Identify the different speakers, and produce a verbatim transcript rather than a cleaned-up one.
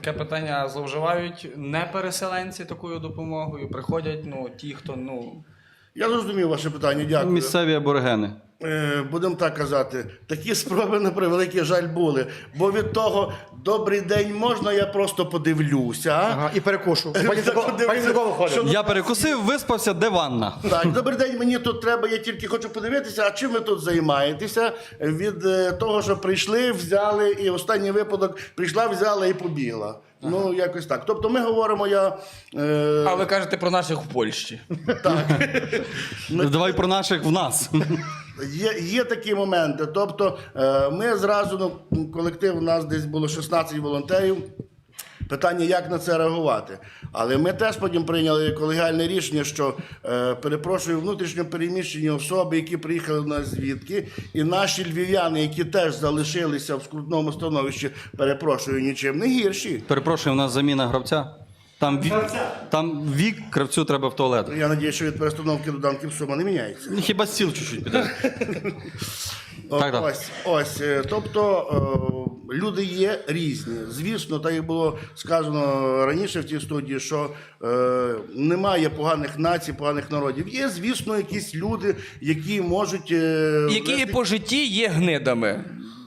Speaker 1: Таке питання: зловживають не переселенці такою допомогою, приходять ну, ті, хто, ну...
Speaker 2: Я зрозумів ваше питання, дякую.
Speaker 3: Місцеві аборигени.
Speaker 2: Е, Будемо так казати, такі спроби, на превеликий жаль, були. Бо від того, добрий день, можна, я просто подивлюся.
Speaker 4: Ага, і перекушу. Пані Такова виходить.
Speaker 3: Я перекусив, виспався, де ванна?
Speaker 2: Так, добрий день, мені тут треба, я тільки хочу подивитися, а чим ви тут займаєтеся? Від е, того, що прийшли, взяли, і останній випадок прийшла, взяла і побігла. Ага. Ну, якось так. Тобто ми говоримо, я... Е...
Speaker 1: А ви кажете про наших в Польщі.
Speaker 2: Так.
Speaker 3: Давай про наших в нас.
Speaker 2: Є, є такі моменти. Тобто е, ми зразу, ну, колектив, у нас десь було шістнадцять волонтерів. Питання, як на це реагувати. Але ми теж потім прийняли колегіальне рішення, що, е, перепрошую, внутрішньо переміщені особи, які приїхали в нас звідки, і наші львів'яни, які теж залишилися в скрутному становищі, перепрошую, нічим не гірші.
Speaker 3: Перепрошую, у нас заміна гравця. Там вік, там вік, кравцю треба в туалет.
Speaker 2: Я сподіваюся, що від перестановки до данків сума не міняється.
Speaker 3: Хіба стіл чуть-чуть піде. Так, так.
Speaker 2: Ось, ось, е, тобто е, люди є різні. Звісно, так як було сказано раніше в тій студії, що е, немає поганих націй, поганих народів. Є, звісно, якісь люди, які можуть... Е,
Speaker 1: Які
Speaker 2: вести-
Speaker 1: по житті є гнидами.